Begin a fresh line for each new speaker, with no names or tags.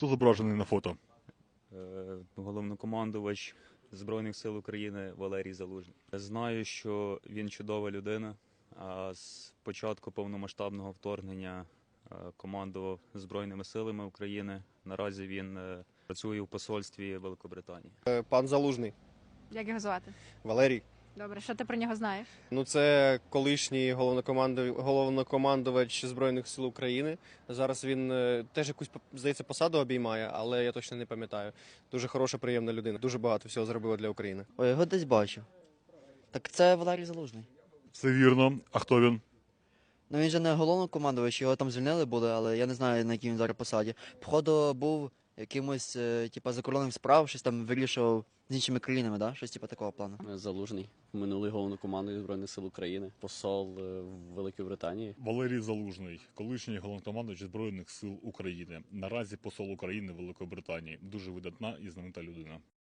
Хто зображений на фото?
Головнокомандувач Збройних сил України Валерій Залужний. Знаю, що він чудова людина, а з початку повномасштабного вторгнення командував Збройними силами України. Наразі він працює в посольстві Великобританії.
Пан Залужний,
Як його звати?
Валерій.
Добре, що ти про нього знаєш?
Ну, це колишній головнокомандувач Збройних сил України. Зараз він теж якусь, здається, посаду обіймає, але я точно не пам'ятаю. Дуже хороша, приємна людина. Дуже багато всього зробила для України.
Ой, його десь бачу. Так це Валерій Залужний.
Все вірно. А хто він?
Ну він же не головнокомандувач, його там звільнили були, але я не знаю, на якій він зараз посаді. Походу був якимось, типа, закордонних справ, щось там вирішував з іншими країнами, да? Щось типа такого плану.
Залужний, минулий головнокомандувач Збройних сил України, посол в Великій Британії.
Валерій Залужний, колишній головнокомандувач Збройних сил України. Наразі посол України в Великобританії. Дуже видатна і знаменита людина.